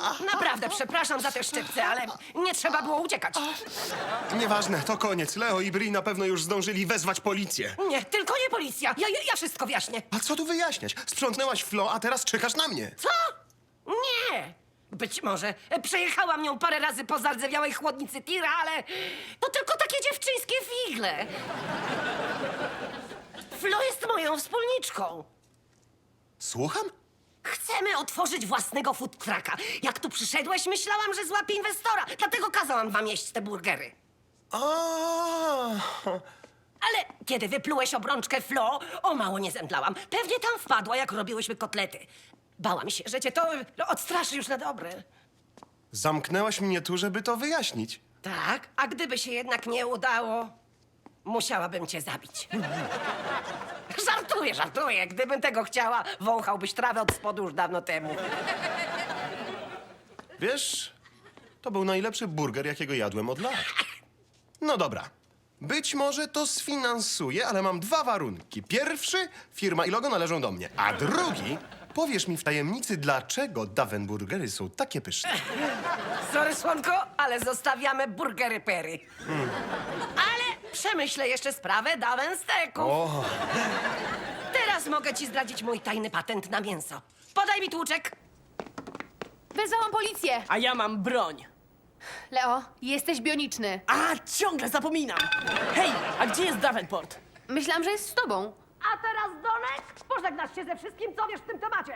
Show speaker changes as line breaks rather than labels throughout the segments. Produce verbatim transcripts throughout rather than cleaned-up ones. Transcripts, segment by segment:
Naprawdę, przepraszam za te szczypce, ale nie trzeba było uciekać.
Nieważne, to koniec. Leo i Bri na pewno już zdążyli wezwać policję.
Nie, tylko nie policja. Ja, ja, ja wszystko wyjaśnię.
A co tu wyjaśniać? Sprzątnęłaś Flo, a teraz czekasz na mnie.
Co? Nie! Być może przejechałam nią parę razy po zardzewiałej chłodnicy tira, ale to tylko takie dziewczyńskie figle. Flo jest moją wspólniczką.
Słucham?
Chcemy otworzyć własnego food trucka. Jak tu przyszedłeś, myślałam, że złapię inwestora. Dlatego kazałam wam jeść te burgery.
A,
Ale kiedy wyplułeś obrączkę Flo, o mało nie zemdlałam. Pewnie tam wpadła, jak robiłyśmy kotlety. Bałam się, że cię to odstraszy już na dobre.
Zamknęłaś mnie tu, żeby to wyjaśnić.
Tak, a gdyby się jednak nie udało, musiałabym cię zabić. Żartuję, żartuję. Gdybym tego chciała, wąchałbyś trawę od spodu już dawno temu.
Wiesz, to był najlepszy burger, jakiego jadłem od lat. No dobra. Być może to sfinansuję, ale mam dwa warunki. Pierwszy, firma i logo należą do mnie. A drugi, powiesz mi w tajemnicy, dlaczego Daven Burgery są takie pyszne.
Sorry, słonko, ale zostawiamy burgery Perry. Ale przemyślę jeszcze sprawę Daven Steaków.
O,
Teraz mogę ci zdradzić mój tajny patent na mięso. Podaj mi tłuczek.
Wezwałam policję.
A ja mam broń.
Leo, jesteś bioniczny.
A, ciągle zapominam. Hej, a gdzie jest Davenport?
Myślałam, że jest z tobą.
A teraz, Donek, pożegnasz się ze wszystkim, co wiesz w tym temacie.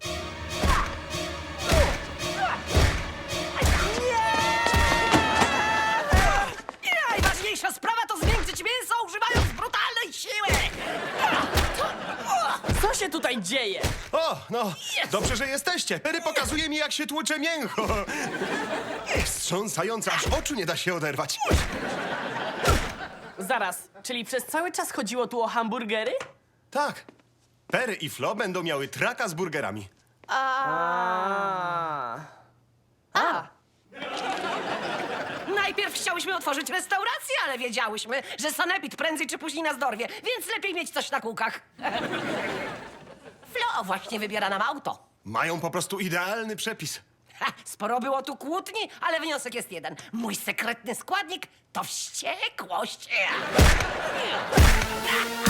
Nie! I najważniejsza sprawa to zmiękczyć mięso, używając brutalnej siły.
Co się tutaj dzieje?
o, no, dobrze, że jesteście. Perry pokazuje mi, jak się tłucze mięcho. Wstrząsające, aż oczu nie da się oderwać.
Zaraz, czyli przez cały czas chodziło tu o hamburgery?
Tak, Perry i Flo będą miały traka z burgerami.
A.
A,
Najpierw chciałyśmy otworzyć restaurację, ale wiedziałyśmy, że sanepid prędzej czy później nas dorwie, więc lepiej mieć coś na kółkach. Flo właśnie wybiera nam auto.
Mają po prostu idealny przepis.
Ha, sporo było tu kłótni, ale wniosek jest jeden. Mój sekretny składnik to wściekłość.